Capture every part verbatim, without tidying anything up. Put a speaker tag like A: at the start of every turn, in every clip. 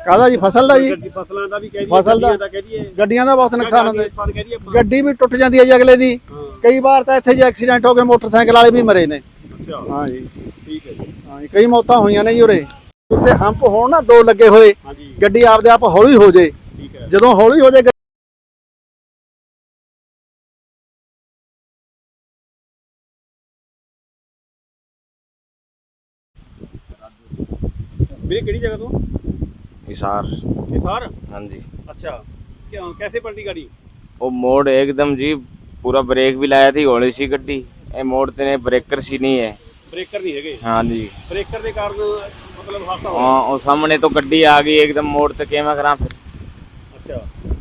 A: ਕਾਹਦਾ ਜੀ? ਫਸਲ ਦਾ ਜੀ।
B: ਫਸਲਾਂ ਦਾ ਵੀ ਕਹਿ ਦਈਏ,
A: ਫਸਲ ਦਾ
B: ਕਹਿ ਦਈਏ,
A: ਗੱਡੀਆਂ ਦਾ ਬਹੁਤ ਨੁਕਸਾਨ ਹੁੰਦਾ
B: ਨੁਕਸਾਨ ਕਹਿ ਦਈਏ ਆਪਾਂ।
A: ਗੱਡੀ ਵੀ ਟੁੱਟ ਜਾਂਦੀ ਹੈ ਜੀ ਅਗਲੇ ਦੀ। ਕਈ ਵਾਰ ਤਾਂ ਇੱਥੇ ਜੀ ਐਕਸੀਡੈਂਟ ਹੋ ਗਏ, ਮੋਟਰਸਾਈਕਲ ਵਾਲੇ ਵੀ ਮਰੇ ਨੇ।
B: ਅੱਛਾ
A: ਹਾਂ ਜੀ,
B: ਠੀਕ ਹੈ ਜੀ।
A: ਹਾਂ ਜੀ, ਕਈ ਮੌਤਾਂ ਹੋਈਆਂ ਨੇ ਜੀ ਉਰੇ। ਉੱਤੇ ਹੰਪ ਹੋਣ ਨਾ ਦੋ ਲੱਗੇ ਹੋਏ,
B: ਹਾਂਜੀ
A: ਗੱਡੀ ਆਪਦੇ ਆਪ ਹੌਲੀ ਹੋ ਜੇ।
B: ਠੀਕ ਹੈ।
A: ਜਦੋਂ ਹੌਲੀ ਹੋ ਜੇ
B: ਵੀਰੇ ਕਿਹੜੀ जगह ਤੋਂ?
C: हिसार।
B: हिसार?
C: हाँ जी।
B: अच्छा, क्या कैसे पलटी गाड़ी?
C: वो मोड़ एकदम जी पूरा ब्रेक भी लाया थी हौली सी गड्डी, ए मोड़ ते ब्रेकर सी नहीं है।
B: ब्रेकर नहीं है?
C: हाँ जी।
B: ब्रेकर के कारण मतलब हादसा हो
C: हाँ, और सामने तो गड्डी आ गई एकदम मोड़ ते केमा करा फिर।
B: अच्छा,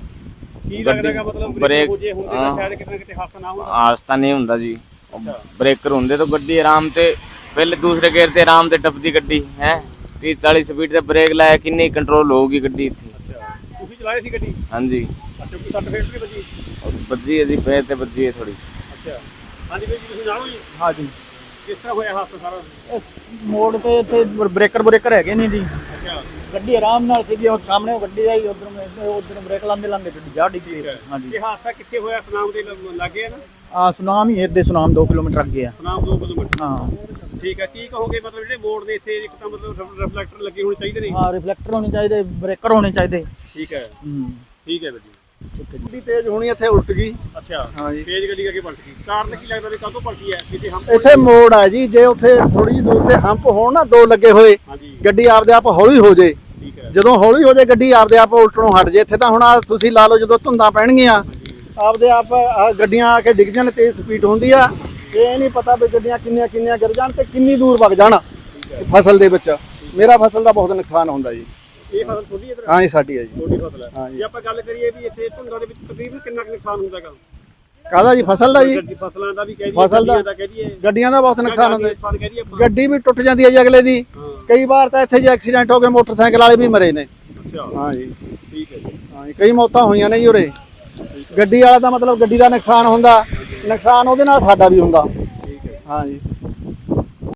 B: की लग रहा मतलब
C: ब्रेक
B: हो जे होंदे तो शायद कितना किते हादसा ना होंदा।
C: हादसा नहीं हुंदा जी। ब्रेकर होंदे तो गड्डी आराम से पहले दूसरे गेयर ते आराम से टपदी गड्डी है। तीस चालीस स्पीड से ब्रेक लाया किन्नी कंट्रोल होगी गड्डी इत्थे।
B: अच्छा, ਤੁਸੀਂ ਚਲਾਏ ਸੀ ਗੱਡੀ?
C: हाँ जी।
B: ਅੱਛਾ, ਕੋਈ ਸੱਟ ਫੇਟ ਵੀ ਵੱਜੀ?
C: और बजी है जी पैर ते बजी है थोड़ी।
B: ਅੱਛਾ, ਹਾਂਜੀ ਵੀਰ ਜੀ ਤੁਸੀਂ ਜਾਣੋ ਜੀ
D: हाँ जी।
B: ਕਿਸ ਤਰ੍ਹਾਂ ਹੋਇਆ ਹਾਦਸਾ ਸਾਰਾ?
D: ਮੋੜ ਤੇ ਇੱਥੇ ਬ੍ਰੇਕਰ ਬ੍ਰੇਕਰ ਹੈਗੇ ਨਹੀਂ ਜੀ।
B: ਅੱਛਾ,
D: ਗੱਡੀ ਆਰਾਮ ਨਾਲ ਸੀਗੀ, ਉਹ ਸਾਹਮਣੇ ਉਹ ਗੱਡੀ ਆਈ, ਉਧਰ ਉਧਰ ਬ੍ਰੇਕ ਲਾਉਂਦੇ ਲਾਉਂਦੇ ਗੱਡੀ ਜਾ ਡਿੱਗੀ। ਹਾਂਜੀ,
B: ਇਹ ਹਾਦਸਾ ਕਿੱਥੇ ਹੋਇਆ? ਸੁਨਾਮ ਦੇ ਲਾਗੇ ਹੈ ਨਾ?
D: ਆ ਸੁਨਾਮ ਹੀ ਇੱਥੇ ਸੁਨਾਮ ਦੋ ਕਿਲੋਮੀਟਰ ਅੱਗੇ ਆ।
B: ਸੁਨਾਮ ਦੋ ਕਿਲੋਮੀਟਰ।
D: ਹਾਂ
B: ਠੀਕ ਹੈ, ਕੀ ਕਹੋਗੇ ਮਤਲਬ ਜਿਹੜੇ ਮੋੜ ਦੇ ਇੱਥੇ ਇੱਕ ਤਾਂ ਮਤਲਬ ਰਿਫਲੈਕਟਰ ਲੱਗੇ ਹੋਣੇ ਚਾਹੀਦੇ ਨੇ?
D: ਹਾਂ, ਰਿਫਲੈਕਟਰ ਹੋਣੇ ਚਾਹੀਦੇ, ਬ੍ਰੇਕਰ ਹੋਣੇ ਚਾਹੀਦੇ।
B: ਠੀਕ ਹੈ,
D: ਹੂੰ,
B: ਠੀਕ ਹੈ ਵੀਰ ਜੀ।
A: ਗੱਡੀ ਤੇਜ਼ ਹੋਣੀ, ਇੱਥੇ ਉਲਟ ਗਈ।
B: ਅੱਛਾ,
A: ਹਾਂ ਜੀ।
B: ਤੇਜ਼ ਗੱਡੀ ਅੱਗੇ ਪਲਟ ਗਈ, ਕਾਰਨ ਕੀ ਲੱਗਦਾ ਵੀ ਕਾਹਤੋਂ ਪਲਟੀ ਹੈ? ਕਿਤੇ ਹੰਪ
A: ਇੱਥੇ ਮੋੜ ਆ ਜੀ, ਜੇ ਉੱਥੇ ਥੋੜੀ ਜਿਹੀ ਦੂਰ ਤੇ ਹੰਪ ਹੋਣ ਨਾ ਦੋ ਲੱਗੇ ਹੋਏ,
B: ਹਾਂਜੀ
A: ਗੱਡੀ ਆਪਦੇ ਆਪ ਹੌਲੀ ਹੋ ਜੇ।
B: ਠੀਕ ਹੈ।
A: ਜਦੋਂ ਹੌਲੀ ਹੋ ਜੇ ਗੱਡੀ ਆਪਦੇ ਆਪ ਉਲਟਣੋਂ ਹਟ ਜੇ। ਇੱਥੇ ਤਾਂ ਹੁਣ ਆਹ ਤੁਸੀਂ ਲਾ ਲਓ, ਜਦੋਂ ਧੁੰਦਾਂ ਪੈਣਗੀਆਂ ਆਪਦੇ ਆਪ ਆਹ ਗੱਡੀਆਂ ਆ ਕੇ ਡਿੱਗ ਜਾਣ, ਤੇਜ਼ ਸਪੀਡ ਹੁੰਦੀ ਆ। ਇਹ ਨਹੀਂ ਪਤਾ ਵੀ ਗੱਡੀਆਂ ਕਿੰਨੀਆਂ ਕਿੰਨੀਆਂ ਗਿਰ ਜਾਣ ਤੇ ਕਿੰਨੀ ਦੂਰ ਵਗ ਜਾਣ ਫਸਲ ਦੇ ਵਿੱਚ। ਮੇਰਾ ਫਸਲ ਦਾ ਬਹੁਤ ਨੁਕਸਾਨ ਹੁੰਦਾ ਜੀ।
B: ਇਹ ਫਸਲ ਤੁਹਾਡੀ ਇਧਰ?
A: ਹਾਂ ਜੀ, ਸਾਡੀ ਹੈ ਜੀ।
B: ਤੁਹਾਡੀ ਫਸਲ ਹੈ।
A: ਹਾਂ ਜੀ।
B: ਜੇ ਆਪਾਂ ਗੱਲ ਕਰੀਏ ਵੀ ਇੱਥੇ ਧੁੰਦਾਂ ਦੇ ਵਿੱਚ ਤਕਰੀਬਨ ਕਿੰਨਾ ਕੁ ਨੁਕਸਾਨ ਹੁੰਦਾ ਹੈਗਾ?
A: ਕਾਹਦਾ ਜੀ? ਫਸਲ ਦਾ ਜੀ।
B: ਗੱਡੀ ਫਸਲਾਂ ਦਾ ਵੀ ਕਹਿ ਦਈਏ,
A: ਫਸਲ ਦਾ
B: ਗੱਡੀਆਂ ਦਾ ਕਹਿ ਦਈਏ,
A: ਗੱਡੀਆਂ ਦਾ ਬਹੁਤ ਨੁਕਸਾਨ ਹੁੰਦਾ।
B: ਨੁਕਸਾਨ ਕਹਿ ਦਈਏ ਆਪਾਂ।
A: ਗੱਡੀ ਵੀ ਟੁੱਟ ਜਾਂਦੀ ਹੈ ਜੀ ਅਗਲੇ ਦੀ। ਕਈ ਵਾਰ ਤਾਂ ਇੱਥੇ ਜੀ ਐਕਸੀਡੈਂਟ ਹੋ ਗਏ, ਮੋਟਰਸਾਈਕਲ ਵਾਲੇ ਵੀ ਮਰੇ ਨੇ।
B: ਅੱਛਾ,
A: ਹਾਂ ਜੀ,
B: ਠੀਕ ਹੈ ਜੀ।
A: ਹਾਂ ਜੀ, ਕਈ ਮੌਤਾਂ ਹੋਈਆਂ ਨੇ ਜੀ ਉਰੇ। ਗੱਡੀ ਵਾਲਾ ਦਾ ਮਤਲਬ ਗੱਡੀ ਦਾ ਨੁਕਸਾਨ ਹੁੰਦਾ, ਨੁਕਸਾਨ ਉਹਦੇ ਨਾਲ ਸਾਡਾ ਵੀ ਹੁੰਦਾ।
B: ਠੀਕ ਹੈ।
A: ਹਾਂ ਜੀ।